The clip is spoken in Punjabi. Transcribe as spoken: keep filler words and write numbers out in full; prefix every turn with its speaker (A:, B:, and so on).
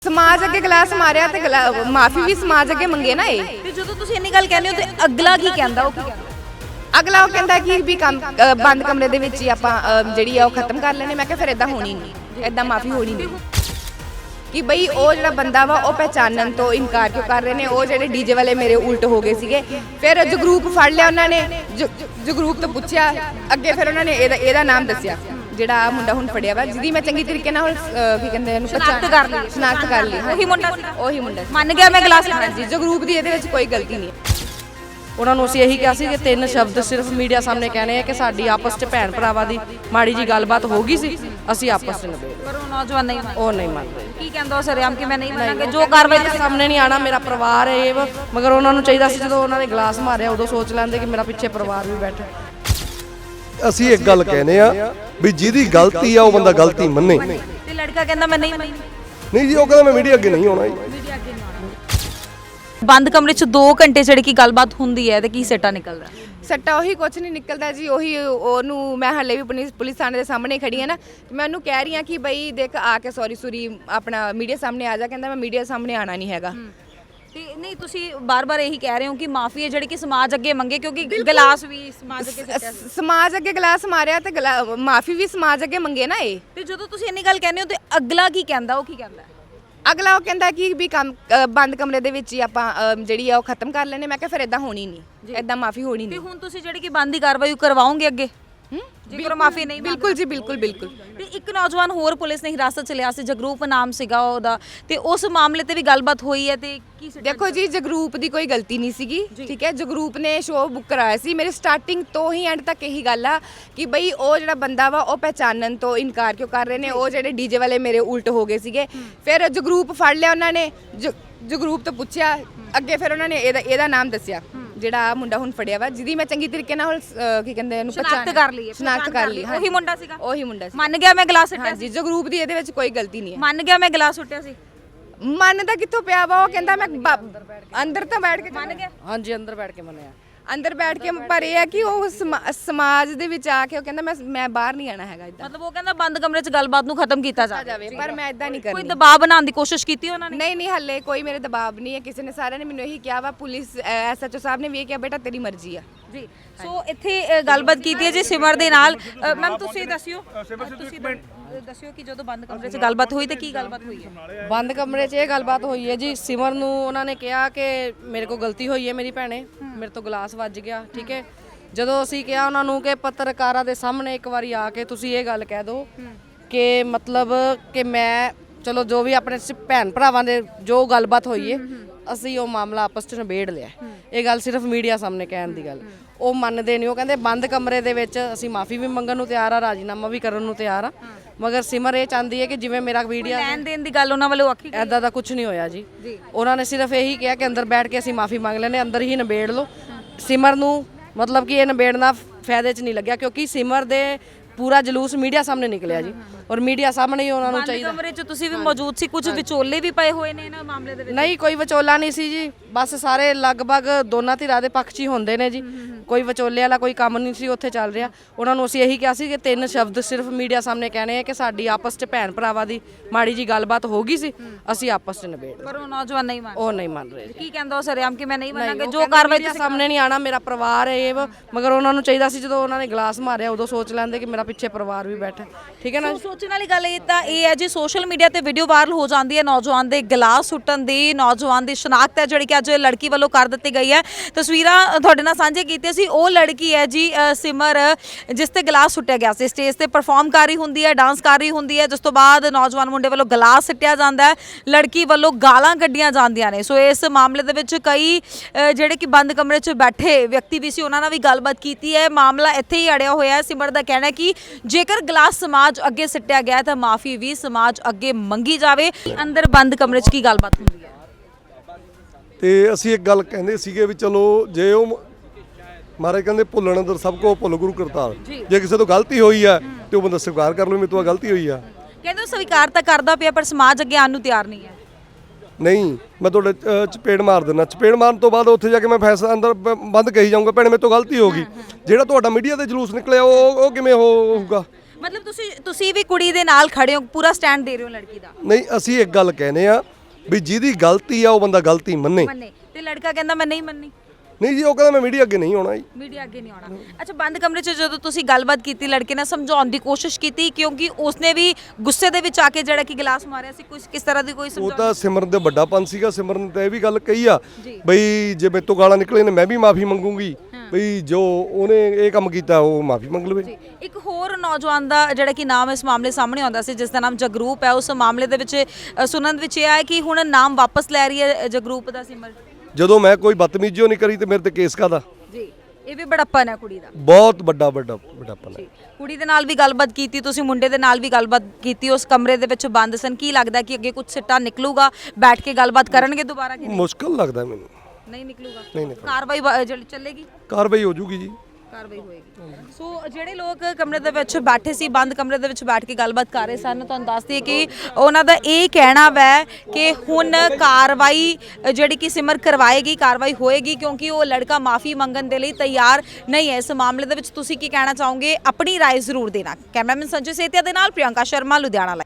A: समाज अगे गिलास मारिया ते माफी भी समाज अगे मंगे ना। ये
B: ਤੇ ਜਦੋਂ ਤੁਸੀਂ ਇੰਨੀ ਗੱਲ ਕਹਿੰਦੇ ਹੋ ਤੇ ਅਗਲਾ ਕੀ ਕਹਿੰਦਾ ਉਹ ਕੀ ਕਹਿੰਦਾ
A: ਅਗਲਾ ਉਹ ਕਹਿੰਦਾ ਕਿ ਵੀ ਕੰਮ ਅ, ਬੰਦ ਕਮਰੇ ਦੇ ਵਿੱਚ ਹੀ ਆਪਾਂ ਅ, ਜਿਹੜੀ ਆ ਉਹ ਖਤਮ ਕਰ ਲੈਣੇ। ਮੈਂ ਕਿਹਾ ਫਿਰ ਇਦਾਂ ਹੋਣੀ ਨਹੀਂ, ਇਦਾਂ ਮਾਫੀ ਹੋਣੀ ਨਹੀਂ ਕਿ ਬਈ ਉਹ ਜਿਹੜਾ ਬੰਦਾ ਵਾ ਉਹ ਪਹਿਚਾਨਣ ਤੋਂ ਇਨਕਾਰ ਕਿਉਂ ਕਰ ਰਹੇ ਨੇ। ਉਹ ਜਿਹੜੇ ਡੀਜੇ ਵਾਲੇ ਮੇਰੇ ਉਲਟ ਹੋ ਗਏ ਸੀਗੇ। ਫਿਰ ਜਗਰੂਪ ਫੜ ਲਿਆ ਉਹਨਾਂ ਨੇ, ਜਗਰੂਪ ਤੋਂ ਪੁੱਛਿਆ ਅੱਗੇ, ਫਿਰ ਉਹਨਾਂ ਨੇ ਇਹਦਾ ਇਹਦਾ ਨਾਮ ਦੱਸਿਆ ਜਿਹੜਾ ਮੁੰਡਾ ਹੁਣ ਫੜਿਆ ਵਾ, ਜਿਹਦੀ ਮੈਂ ਚੰਗੀ ਤਰੀਕੇ ਨਾਲ ਅ, ਕੀ ਕਹਿੰਦੇ ਇਹਨੂੰ
B: ਸ਼ਨਾਖਤ ਕਰ ਲਈ।
A: ਸ਼ਨਾਖਤ ਕਰ ਲਈ।
B: ਉਹੀ ਮੁੰਡਾ ਸੀ,
A: ਉਹੀ ਮੁੰਡਾ ਸੀ।
B: ਮੰਨ ਗਿਆ ਮੈਂ ਗਲਾਸ
A: ਹਾਂਜੀ, ਜਗਰੂਪ ਦੀ ਇਹਦੇ ਵਿੱਚ ਕੋਈ ਗਲਤੀ ਨਹੀਂ।
C: ਉਹਨਾਂ ਨੂੰ ਅਸੀਂ ਇਹੀ ਕਿਹਾ ਸੀ ਕਿ ਤਿੰਨ ਸ਼ਬਦ ਸਿਰਫ ਮੀਡੀਆ ਸਾਹਮਣੇ ਕਹਿਣੇ ਆ ਕਿ ਸਾਡੀ ਆਪਸ 'ਚ ਭੈਣ ਭਰਾਵਾਂ ਦੀ ਮਾੜੀ ਜੀ ਗੱਲਬਾਤ ਹੋ ਗਈ ਸੀ, ਅਸੀਂ ਆਪਸ 'ਚ ਨਿਬੇੜ।
B: ਪਰ ਉਹ ਨੌਜਵਾਨ ਨਹੀਂ ਮੰਨਦਾ।
C: ਉਹ ਨਹੀਂ ਮੰਨਦੇ।
B: ਕੀ ਕਹਿੰਦਾ ਉਹ ਸਰਿਆਮ ਕਿ ਮੈਂ ਨਹੀਂ ਮੰਨਾਂਗਾ, ਜੋ ਕਾਰਵਾਈ
C: ਮੇਰੇ ਸਾਹਮਣੇ ਨਹੀਂ ਆਣਾ, ਮੇਰਾ ਪਰਿਵਾਰ ਹੈ ਇਹ ਵਾ। ਮਗਰ ਉਹਨਾਂ ਨੂੰ ਚਾਹੀਦਾ ਸੀ ਜਦੋਂ ਉਹਨਾਂ ਨੇ ਗਲਾਸ ਮਾਰਿਆ ਉਦੋਂ ਸੋਚ ਲੈਂਦੇ ਕਿ ਮੇਰਾ ਪਿੱਛੇ ਪਰਿਵਾਰ ਵੀ ਬੈਠਾ।
D: ਅਸੀਂ ਇੱਕ ਗੱਲ ਕਹਿੰਦੇ ਆ ਵੀ ਜਿਹਦੀ ਗਲਤੀ ਆ ਉਹ ਬੰਦਾ ਗਲਤੀ ਮੰਨੇ।
B: ਤੇ ਲੜਕਾ ਕਹਿੰਦਾ ਮੈਂ ਨਹੀਂ ਮੰਨੀ।
D: ਨਹੀਂ ਜੀ, ਉਹ ਕਹਿੰਦਾ ਮੈਂ ਮੀਡੀਆ ਅੱਗੇ ਨਹੀਂ ਆਉਣਾ ਜੀ।
B: ਮੀਡੀਆ ਅੱਗੇ ਨਹੀਂ ਆਉਣਾ। ਬੰਦ ਕਮਰੇ 'ਚ ਦੋ ਘੰਟੇ ਜਿਹੜੀ ਕੀ ਗੱਲਬਾਤ ਹੁੰਦੀ ਹੈ ਤੇ ਕੀ ਸੱਟਾ ਨਿਕਲਦਾ?
A: ਸੱਟਾ ਉਹੀ ਕੁਝ ਨਹੀਂ ਨਿਕਲਦਾ ਜੀ। ਉਹੀ ਉਹਨੂੰ ਮੈਂ ਹਲੇ ਵੀ ਪੁਲਿਸ ਪੁਲਿਸ ਥਾਣੇ ਦੇ ਸਾਹਮਣੇ ਖੜੀ ਆ ਨਾ, ਮੈਂ ਉਹਨੂੰ ਕਹਿ ਰਹੀ ਆ ਕਿ ਬਈ ਦੇਖ ਆ ਕੇ ਸੌਰੀ ਸੂਰੀ ਆਪਣਾ ਮੀਡੀਆ ਸਾਹਮਣੇ ਆ ਜਾ। ਕਹਿੰਦਾ ਮੈਂ ਮੀਡੀਆ ਸਾਹਮਣੇ ਆਣਾ ਨਹੀਂ ਹੈਗਾ।
B: ਤੇ ਨਹੀਂ ਤੁਸੀਂ ਬਾਰ-ਬਾਰ ਇਹੀ ਕਹਿ ਰਹੇ ਹੋ ਕਿ ਮਾਫੀ ਹੈ ਜਿਹੜੀ ਕਿ ਸਮਾਜ ਅੱਗੇ ਮੰਗੇ, ਕਿਉਂਕਿ ਗਲਾਸ ਵੀ ਸਮਾਜ ਅੱਗੇ ਸੱਟਿਆ ਸੀ।
A: ਸਮਾਜ ਅੱਗੇ ਗਲਾਸ ਮਾਰਿਆ ਤੇ ਮਾਫੀ ਵੀ ਸਮਾਜ ਅੱਗੇ ਮੰਗੇ ਨਾ। ਇਹ
B: ਤੇ ਜਦੋਂ ਤੁਸੀਂ ਇੰਨੀ ਗੱਲ ਕਹਿੰਦੇ ਹੋ ਤੇ ਅਗਲਾ ਕੀ ਕਹਿੰਦਾ ਉਹ ਕੀ ਕਹਿੰਦਾ?
A: ਅਗਲਾ ਉਹ ਕਹਿੰਦਾ ਕਿ ਵੀ ਕੰਮ ਅ, ਬੰਦ ਕਮਰੇ ਦੇ ਵਿੱਚ ਹੀ ਆਪਾਂ ਅ, ਜਿਹੜੀ ਆ ਉਹ ਖਤਮ ਕਰ ਲੈਣੇ। ਮੈਂ ਕਿਹਾ ਫਿਰ ਇਦਾਂ ਹੋਣੀ ਨਹੀਂ, ਇਦਾਂ ਮਾਫੀ ਹੋਣੀ
B: ਤੇ
A: ਨਹੀਂ।
B: ਹੁਣ ਤੁਸੀਂ ਜਿਹੜੀ ਕਿ ਬੰਦ ਦੀ ਕਾਰਵਾਈ ਕਰਵਾਓਗੇ ਅੱਗੇ ਜੇਕਰ ਮਾਫੀ ਨਹੀਂ ਮੰਗਦੇ?
A: ਬਿਲਕੁਲ ਜੀ, ਬਿਲਕੁਲ ਬਿਲਕੁਲ।
B: ਤੇ ਇੱਕ ਨੌਜਵਾਨ ਹੋਰ ਪੁਲਿਸ ਨੇ ਹਿਰਾਸਤ 'ਚ ਲਿਆ ਸੀ, ਜਗਰੂਪ ਨਾਮ ਸੀਗਾ ਉਹਦਾ, ਤੇ ਉਸ ਮਾਮਲੇ ਤੇ ਵੀ ਗੱਲਬਾਤ ਹੋਈ ਹੈ। ਤੇ ਕੀ ਸਿੱਟਾ?
A: ਦੇਖੋ ਜੀ, ਜਗਰੂਪ ਦੀ ਕੋਈ ਗਲਤੀ ਨਹੀਂ ਸੀਗੀ, ਠੀਕ ਹੈ। ਜਗਰੂਪ ਨੇ ਸ਼ੋਅ ਬੁੱਕ ਕਰਾਇਆ ਸੀ। ਮੇਰੀ ਸਟਾਰਟਿੰਗ ਤੋਂ ਹੀ ਐਂਡ ਤੱਕ ਇਹੀ ਗੱਲ ਆ ਕਿ ਬਈ ਉਹ ਜਿਹੜਾ ਬੰਦਾ ਵਾ ਉਹ ਪਹਿਚਾਨਣ ਤੋਂ ਇਨਕਾਰ ਕਿਉਂ ਕਰ ਰਹੇ ਨੇ। ਉਹ ਜਿਹੜੇ ਡੀਜੇ ਵਾਲੇ ਮੇਰੇ ਉਲਟ ਹੋ ਗਏ ਸੀਗੇ। ਫਿਰ ਜਗਰੂਪ ਫੜ ਲਿਆ ਉਹਨਾਂ ਨੇ, ਜਗਰੂਪ ਤੋਂ ਪੁੱਛਿਆ ਅੱਗੇ, ਫਿਰ ਉਹਨਾਂ ਨੇ ਇਹਦਾ ਇਹਦਾ ਨਾਮ ਦੱਸਿਆ ਜਿਹੜਾ ਮੁੰਡਾ ਹੁਣ ਫੜਿਆ ਵਾ, ਜਿਹਦੀ ਮੈਂ ਚੰਗੀ ਤਰੀਕੇ ਨਾਲ ਅ, ਕੀ ਕਹਿੰਦੇ ਇਹਨੂੰ
B: ਸ਼ਨਾਖਤ ਕਰ ਲਈ ਹੈ।
A: ਸ਼ਨਾਖਤ ਕਰ ਲਈ।
B: ਉਹੀ ਮੁੰਡਾ ਸੀਗਾ,
A: ਉਹੀ ਮੁੰਡਾ ਸੀ।
B: ਮੰਨ ਗਿਆ ਮੈਂ ਗਲਾਸ ਸੁੱਟਿਆ
A: ਹਾਂਜੀ, ਜਗਰੂਪ ਦੀ ਇਹਦੇ ਵਿੱਚ ਕੋਈ ਗਲਤੀ ਨਹੀਂ ਹੈ।
B: ਮੰਨ ਗਿਆ ਮੈਂ ਗਲਾਸ ਸੁੱਟਿਆ ਸੀ।
A: ਮੰਨਦਾ ਕਿੱਥੋਂ ਪਿਆ ਵਾ? ਉਹ ਕਹਿੰਦਾ ਮੈਂ ਬ- ਅੰਦਰ ਤਾਂ ਬੈਠ ਕੇ
B: ਮੰਨ ਗਿਆ।
C: ਹਾਂਜੀ, ਅੰਦਰ ਬੈਠ ਕੇ ਮੰਨਿਆ।
A: ਅੰਦਰ ਬੈਠ ਕੇ, ਪਰ ਇਹ ਹੈ ਕਿ ਉਹ ਸਮਾ- ਸਮਾਜ ਦੇ ਵਿੱਚ ਆ ਕੇ ਉਹ ਕਹਿੰਦਾ ਮੈਂ ਮੈਂ ਬਾਹਰ ਨਹੀਂ ਆਣਾ ਹੈਗਾ। ਇਦਾਂ
B: ਮਤਲਬ ਉਹ ਕਹਿੰਦਾ ਬੰਦ ਕਮਰੇ 'ਚ ਗੱਲਬਾਤ ਨੂੰ ਖਤਮ ਕੀਤਾ ਜਾਵੇ।
A: ਜਾਵੇ, ਪਰ ਮੈਂ ਇਦਾਂ ਨਹੀਂ
B: ਕੋਈ
A: ਕਰਨੀ।
B: ਦਬਾਅ ਬਣਾਉਣ ਦੀ ਕੋਸ਼ਿਸ਼ ਕੀਤੀ ਉਹਨਾਂ ਨੇ?
A: ਨਹੀਂ ਨਹੀਂ, ਹੱਲੇ ਕੋਈ ਮੇਰੇ ਦਬਾਅ ਨਹੀਂ ਹੈ ਕਿਸੇ ਨੇ। ਸਾਰਿਆਂ ਨੇ ਮੈਨੂੰ ਇਹੀ ਕਿਹਾ ਵਾ, ਪੁਲਿਸ ਐਸਐਚਓ ਸਾਹਿਬ ਨੇ ਵੀ ਇਹ ਕਿਹਾ ਬੇਟਾ ਤੇਰੀ ਮਰਜ਼ੀ ਆ
B: ਜੀ। ਸੋ ਇੱਥੇ ਅ, ਗੱਲਬਾਤ ਕੀਤੀ ਹੈ ਜੀ ਸਿਮਰ ਦੇ ਨਾਲ। ਮੈਮ ਤੁਸੀਂ ਦੱਸਿਓ, ਤੁਸੀਂ ਦ- ਦੱਸਿਓ ਕਿ ਜਦੋਂ ਬੰਦ ਕਮਰੇ 'ਚ ਗੱਲਬਾਤ ਹੋਈ ਤੇ ਕੀ ਗੱਲਬਾਤ ਹੋਈ ਹੈ?
C: ਬੰਦ ਕਮਰੇ 'ਚ ਇਹ ਗੱਲਬਾਤ ਹੋਈ ਹੈ ਜੀ। ਸਿਮਰ ਨੂੰ ਉਹਨਾਂ ਨੇ ਕਿਹਾ ਕਿ ਮੇਰੇ ਕੋਲ ਗਲਤੀ ਹੋਈ ਹੈ ਮੇਰੀ ਭੈਣੇ, ਮੇਰੇ ਤੋਂ ਗਲਾਸ ਵੱਜ ਗਿਆ, ਠੀਕ ਹੈ। ਜਦੋਂ ਅਸੀਂ ਕਿਹਾ ਉਹਨਾਂ ਨੂੰ ਕਿ ਪੱਤਰਕਾਰਾਂ ਦੇ ਸਾਹਮਣੇ ਇੱਕ ਵਾਰੀ ਆ ਕੇ ਤੁਸੀਂ ਇਹ ਗੱਲ ਕਹਿ ਦਿਓ ਕਿ ਮਤਲਬ ਕਿ ਮੈਂ ਚਲੋ ਜੋ ਵੀ ਆਪਣੇ ਸ- ਭੈਣ ਭਰਾਵਾਂ ਦੇ ਜੋ ਗੱਲਬਾਤ ਹੋਈ ਹੈ ਅਸੀਂ ਉਹ ਮਾਮਲਾ ਆਪਸ 'ਚ ਨਿਬੇੜ ਲਿਆ। ਇਹ ਗੱਲ ਸਿਰਫ ਮੀਡੀਆ ਸਾਹਮਣੇ ਕਹਿਣ ਦੀ ਗੱਲ। ਉਹ ਮੰਨਦੇ ਨਹੀਂ। ਉਹ ਕਹਿੰਦੇ ਬੰਦ ਕਮਰੇ ਦੇ ਵਿੱਚ ਅਸੀਂ ਮਾਫੀ ਵੀ ਮੰਗਣ ਨੂੰ ਤਿਆਰ ਆ, ਰਾਜੀਨਾਮਾ ਵੀ ਕਰਨ ਨੂੰ ਤਿਆਰ ਆ। ਮਗਰ ਸਿਮਰ ਇਹ ਚਾਹੁੰਦੀ ਹੈ ਕਿ ਜਿਵੇਂ ਮੇਰਾ ਵੀਡੀਓ
B: ਲੈਣ ਦੇਣ ਦੀ ਗੱਲ ਉਹਨਾਂ ਵੱਲੋਂ ਆਖੀ ਗਈ?
C: ਐਦਾਂ ਦਾ ਕੁਝ ਨਹੀਂ ਹੋਇਆ ਜੀ। ਉਹਨਾਂ ਨੇ ਸਿਰਫ ਇਹੀ ਕਿਹਾ ਕਿ ਅੰਦਰ ਬੈਠ ਕੇ ਅਸੀਂ ਮਾਫੀ ਮੰਗ ਲੈਣੇ, ਅੰਦਰ ਹੀ ਨਿਬੇੜ ਲਓ। ਸਿਮਰ ਨੂੰ ਮਤਲਬ ਕਿ ਇਹ ਨਿਬੇੜਨਾ ਫਾਇਦੇ 'ਚ ਨਹੀਂ ਲੱਗਿਆ, ਕਿਉਂਕਿ ਸਿਮਰ ਦੇ ਪੂਰਾ ਜਲੂਸ ਮੀਡੀਆ ਸਾਹਮਣੇ ਨਿਕਲਿਆ ਜੀ, ਔਰ ਮੀਡੀਆ ਸਾਹਮਣੇ ਹੀ ਉਹਨਾਂ ਨੂੰ
B: ਬੰਦ
C: ਚਾਹੀਦਾ।
B: ਕਮਰੇ 'ਚ ਤੁਸੀਂ ਵੀ ਮੌਜੂਦ ਸੀ, ਕੁਝ ਵਿਚੋਲੇ ਵੀ ਪਏ ਹੋਏ ਨੇ ਇਹਨਾਂ ਮਾਮਲੇ ਦੇ ਵਿੱਚ?
C: ਨਹੀਂ, ਕੋਈ ਵਿਚੋਲਾ ਨਹੀਂ ਸੀ ਜੀ। ਬਸ ਸਾਰੇ ਲਗਭਗ ਦੋਨਾਂ ਧਿਰਾਂ ਦੇ ਪੱਖ 'ਚ ਹੀ ਹੁੰਦੇ ਨੇ ਜੀ। ਕੋਈ ਵਿਚੋਲੇ ਵਾਲਾ ਕੋਈ ਕੰਮ ਨਹੀਂ ਸੀ ਉੱਥੇ ਚੱਲ ਰਿਹਾ। ਉਹਨਾਂ ਨੂੰ ਅਸੀਂ ਇਹੀ ਕਿਹਾ ਸੀ ਕਿ ਤਿੰਨ ਸ਼ਬਦ ਸਿਰਫ ਮੀਡੀਆ ਸਾਹਮਣੇ ਕਹਿਣੇ ਆ ਕਿ ਸਾਡੀ ਆਪਸ 'ਚ ਭੈਣ ਭਰਾਵਾਂ ਦੀ ਮਾੜੀ ਜੀ ਗੱਲਬਾਤ ਹੋ ਗਈ ਸੀ, ਅਸੀਂ ਆਪਸ 'ਚ ਨਿਬੇੜ।
B: ਪਰ ਉਹ ਨੌਜਵਾਨ ਨਹੀਂ ਮੰਨ
C: ਉਹ ਨਹੀਂ ਮੰਨ ਰਹੇ ਜੀ।
B: ਕੀ ਕਹਿੰਦਾ ਉਹ ਸਰਿਆਮ ਕਿ ਮੈਂ ਨਹੀਂ ਮੰਨਾਂਗਾ,
C: ਉਹ
B: ਜੋ
C: ਕਹਿੰਦੇ
B: ਕਾਰਵਾਈ
C: ਮੀਡੀਆ ਸਾਹਮਣੇ ਨਹੀਂ ਆਣਾ, ਮੇਰਾ ਪਰਿਵਾਰ ਹੈ ਇਹ ਵਾ। ਮਗਰ ਉਹਨਾਂ ਨੂੰ ਚਾਹੀਦਾ ਸੀ ਜਦੋਂ ਉਹਨਾਂ ਨੇ ਗਲਾਸ ਮਾਰਿਆ ਉਦੋਂ ਸੋਚ ਲੈਂਦੇ ਕਿ ਮੇਰਾ ਪਿੱਛੇ ਪਰਿਵਾਰ ਵੀ ਬੈਠਾ, ਠੀਕ ਹੈ ਨਾ।
B: ਸੋ ਸੋਚਣ ਵਾਲੀ ਗੱਲ ਇਹ ਤਾਂ ਇਹ ਹੈ ਜੀ, ਸੋਸ਼ਲ ਮੀਡੀਆ ਤੇ ਵੀਡੀਓ ਵਾਇਰਲ ਹੋ ਜਾਂਦੀ ਹੈ ਨੌਜਵਾਨ ਦੇ ਗਲਾਸ ਸੁੱਟਣ ਦੀ। ਨੌਜਵਾਨ ਦੀ ਸ਼ਨਾਖਤ ਹੈ ਜਿਹੜੀ ਕਿ ਅੱਜ ਲੜਕੀ ਵੱਲੋਂ ਕਰ ਦਿੱਤੀ ਗਈ ਹੈ। ਤਸਵੀਰਾਂ ਤੁਹਾਡੇ ਨਾਲ ਸਾਂਝੇ ਕੀਤੀਆਂ ਸੀ। ਉਹ ਲੜਕੀ ਹੈ ਜੀ ਅ, ਸਿਮਰ, ਜਿਸ ਤੇ ਗਲਾਸ ਸੁੱਟਿਆ ਗਿਆ ਸੀ। ਸਟੇਜ ਤੇ ਪਰਫਾਰਮ ਕਰ ਰਹੀ ਹੁੰਦੀ ਹੈ, ਡਾਂਸ ਕਰ ਰਹੀ ਹੁੰਦੀ ਹੈ, ਜਿਸ ਤੋਂ ਬਾਅਦ ਨੌਜਵਾਨ ਮੁੰਡੇ ਵੱਲੋਂ ਗਲਾਸ ਸਿੱਟਿਆ ਜਾਂਦਾ ਹੈ, ਲੜਕੀ ਵੱਲੋਂ ਗਾਲਾਂ ਕੱਢੀਆਂ ਜਾਂਦੀਆਂ ਨੇ। ਸੋ ਇਸ ਮਾਮਲੇ ਦੇ ਵਿੱਚ ਕਈ ਅ, ਜਿਹੜੇ ਕਿ ਬੰਦ ਕਮਰੇ 'ਚ ਬੈਠੇ ਵਿਅਕਤੀ ਵੀ ਸੀ, ਉਹਨਾਂ ਨਾਲ ਵੀ ਗੱਲਬਾਤ ਕੀਤੀ ਹੈ। ਮਾਮਲਾ ਇੱਥੇ ਹੀ ਅੜਿਆ ਹੋਇਆ ਹੈ। ਸਿਮਰ ਦਾ ਕਹਿਣਾ ਹੈ ਕਿ ਜੇਕਰ ਗਲਾਸ ਸਮਾਜ ਅੱਗੇ ਸਿੱਟਿਆ ਗਿਆ ਤਾਂ ਮਾਫੀ ਵੀ ਸਮਾਜ ਅੱਗੇ ਮੰਗੀ ਜਾਵੇ। ਅੰਦਰ ਬੰਦ ਕਮਰੇ 'ਚ ਕੀ ਗੱਲਬਾਤ ਹੁੰਦੀ ਹੈ?
D: ਤੇ ਅਸੀਂ ਇੱਕ ਗੱਲ ਕਹਿੰਦੇ ਸੀਗੇ ਵੀ ਚਲੋ ਜੇ ਉਹ ਮਹਾਰਾਜ ਕਹਿੰਦੇ ਭੁੱਲਣ ਅੰਦਰ ਸਭ ਕੋ ਭੁੱਲ ਗੁਰੂ ਕਰਤਾਰ। ਜੇ ਕਿਸੇ ਤੋਂ ਗਲਤੀ ਹੋਈ ਆ ਤੇ ਉਹ ਬੰਦਾ ਸਵੀਕਾਰ ਕਰ ਲਓ ਮੇਰੇ ਤੋਂ ਗਲਤੀ ਹੋਈ ਆ।
B: ਕਹਿੰਦੇ ਉਹ ਸਵੀਕਾਰ ਤਾਂ ਕਰਦਾ ਪਿਆ ਪਰ ਸਮਾਜ ਅੱਗੇ ਆਉਣ ਨੂੰ ਤਿਆਰ ਨਹੀਂ ਹੈ।
D: ਨਹੀਂ, ਮੈਂ ਤੁਹਾਡੇ ਅ, ਚਪੇੜ ਮਾਰ ਦਿੰਦਾ। ਚਪੇੜ ਮਾਰਨ ਤੋਂ ਬਾਅਦ ਉੱਥੇ ਜਾ ਕੇ ਮੈਂ ਫੈਸਲਾ ਅੰਦਰ ਬ- ਬੰਦ ਕਹੀ ਜਾਊਂਗਾ ਭੈਣੇ ਮੇਰੇ ਤੋਂ ਗਲਤੀ ਹੋ ਗਈ। ਜਿਹੜਾ ਤੁਹਾਡਾ ਮੀਡੀਆ ਤੇ ਜਲੂਸ ਨਿਕਲਿਆ ਉਹ ਉਹ ਕਿਵੇਂ ਹੋ- ਹੋਊਗਾ?
B: ਮਤਲਬ ਤੁਸੀਂ ਤੁਸੀਂ ਵੀ ਕੁੜੀ ਦੇ ਨਾਲ ਖੜੇ ਹੋ, ਪੂਰਾ ਸਟੈਂਡ ਦੇ ਰਹੇ ਹੋ ਲੜਕੀ ਦਾ।
D: ਨਹੀਂ ਅਸੀਂ ਇੱਕ ਗੱਲ ਕਹਿੰਦੇ ਆ ਵੀ ਜਿਹਦੀ ਗਲਤੀ ਆ ਉਹ ਬੰਦਾ ਗਲਤੀ ਮੰਨੇ।
B: ਮੰਨੇ ਤੇ ਲੜਕਾ ਕਹਿੰਦਾ ਮੈਂ ਨਹੀਂ ਮੰਨੀ।
D: ਨਹੀਂ ਜੀ ਉਹ ਕਹਿੰਦਾ ਮੈਂ ਮੀਡੀਆ ਅੱਗੇ ਨਹੀਂ ਆਉਣਾ ਜੀ।
B: ਮੀਡੀਆ ਅੱਗੇ ਨਹੀਂ ਆਉਣਾ। ਅੱਛਾ ਬੰਦ ਕਮਰੇ 'ਚ ਜਦੋਂ ਤੁਸੀਂ ਗੱਲਬਾਤ ਕੀਤੀ ਲੜਕੇ ਨਾਲ ਸਮਝਾਉਣ ਦੀ ਕੋਸ਼ਿਸ਼ ਕੀਤੀ, ਕਿਉਂਕਿ ਉਸਨੇ ਵੀ ਗੁੱਸੇ ਦੇ ਵਿੱਚ ਆ ਕੇ ਜਿਹੜਾ ਕਿ ਗਲਾਸ ਮਾਰਿਆ ਸੀ, ਕੁਝ ਕਿਸ ਤਰ੍ਹਾਂ ਦੀ ਕੋਈ
D: ਉਹ
B: ਸਮਝਾਉਣ?
D: ਤਾਂ ਸਿਮਰਨ ਦੇ ਵੱਡਾਪਨ ਸੀਗਾ। ਸਿਮਰਨ ਨੇ ਤਾਂ ਇਹ ਵੀ ਗੱਲ ਕਹੀ ਆ
B: ਜੀ।
D: ਬਈ ਜੇ ਮੇਰੇ ਤੋਂ ਗਾਲਾਂ ਨਿਕਲੇ ਨੇ ਮੈਂ ਵੀ ਮਾਫੀ ਮੰਗੂੰਗੀ, ਬਈ ਜੋ ਉਹਨੇ ਇਹ ਕੰਮ ਕੀਤਾ ਉਹ ਮਾਫੀ ਮੰਗ ਲਵੇ।
B: ਜੀ ਇੱਕ ਹੋਰ ਨੌਜਵਾਨ ਦਾ ਜਿਹੜਾ ਕਿ ਨਾਮ ਇਸ ਮਾਮਲੇ ਸਾਹਮਣੇ ਆਉਂਦਾ ਸੀ, ਜਿਸ ਦਾ ਨਾਮ ਜਗਰੂਪ ਹੈ, ਉਸ ਮਾਮਲੇ ਦੇ ਵਿੱਚ ਅ, ਸੁਣਨ ਵਿੱਚ ਇਹ ਆਇਆ ਕਿ ਹੁਣ ਨਾਮ ਵਾਪਸ ਲੈ ਰਹੀ ਹੈ ਜਗਰੂਪ ਦਾ ਸਿਮਰ।
D: ਜਦੋਂ ਮੈਂ ਕੋਈ ਬਦਤਮੀਜ਼ੀ ਨਹੀਂ ਕਰੀ ਤੇ ਮੇਰੇ ਤੇ ਕੇਸ ਕਾਦਾ?
B: ਜੀ ਇਹ ਵੀ ਬੜੱਪਨ ਹੈ ਕੁੜੀ ਦਾ,
D: ਬਹੁਤ ਵੱਡਾ ਵੱਡਾ ਵੱਡਾਪਨ ਹੈ।
B: ਕੁੜੀ ਦੇ ਨਾਲ ਵੀ ਗੱਲਬਾਤ ਕੀਤੀ ਤੁਸੀਂ, ਮੁੰਡੇ ਦੇ ਨਾਲ ਵੀ ਗੱਲਬਾਤ ਕੀਤੀ, ਉਸ ਕਮਰੇ ਦੇ ਵਿੱਚ ਬੰਦ ਸਨ। ਕੀ ਲੱਗਦਾ ਕਿ ਅੱਗੇ ਕੁਝ ਸਿੱਟਾ ਨਿਕਲੂਗਾ, ਬੈਠ ਕੇ ਗੱਲਬਾਤ ਕਰਨਗੇ ਦੁਬਾਰਾ ਕਿ ਨਹੀਂ?
D: ਮੁਸ਼ਕਲ ਲੱਗਦਾ ਮੈਨੂੰ।
B: ਨਹੀਂ ਨਿਕਲੂਗਾ।
D: ਨਹੀਂ ਨਿਕਲੂਗਾ।
B: ਕਾਰਵਾਈ ਬ- ਜਿਹੜੀ ਚੱਲੇਗੀ,
D: ਕਾਰਵਾਈ ਹੋ ਜੂਗੀ ਜੀ।
B: ਕਾਰਵਾਈ ਹੋਏਗੀ। ਸੋ ਜਿਹੜੇ ਲੋਕ ਕਮਰੇ ਦੇ ਵਿੱਚ ਬੈਠੇ ਸੀ, ਬੰਦ ਕਮਰੇ ਦੇ ਵਿੱਚ ਬੈਠ ਕੇ ਗੱਲਬਾਤ ਕਰ ਰਹੇ ਸਨ, ਤੁਹਾਨੂੰ ਦੱਸ ਦਈਏ ਕਿ ਉਹਨਾਂ ਦਾ ਇਹ ਕਹਿਣਾ ਵੈ ਕਿ ਹੁਣ ਕਾਰਵਾਈ ਜਿਹੜੀ ਕਿ ਸਿਮਰ ਕਰਵਾਏਗੀ, ਕਾਰਵਾਈ ਹੋਏਗੀ, ਕਿਉਂਕਿ ਉਹ ਲੜਕਾ ਮਾਫੀ ਮੰਗਣ ਦੇ ਲਈ ਤਿਆਰ ਨਹੀਂ ਹੈ। ਇਸ ਮਾਮਲੇ ਦੇ ਵਿੱਚ ਤੁਸੀਂ ਕੀ ਕਹਿਣਾ ਚਾਹੋਗੇ? ਆਪਣੀ ਰਾਏ ਜ਼ਰੂਰ ਦੇਣਾ। ਕੈਮਰਾਮੈਨ ਸੰਜੇ ਸੇਤੀਆ ਦੇ ਨਾਲ ਪ੍ਰਿਯੰਕਾ ਸ਼ਰਮਾ, ਲੁਧਿਆਣਾ।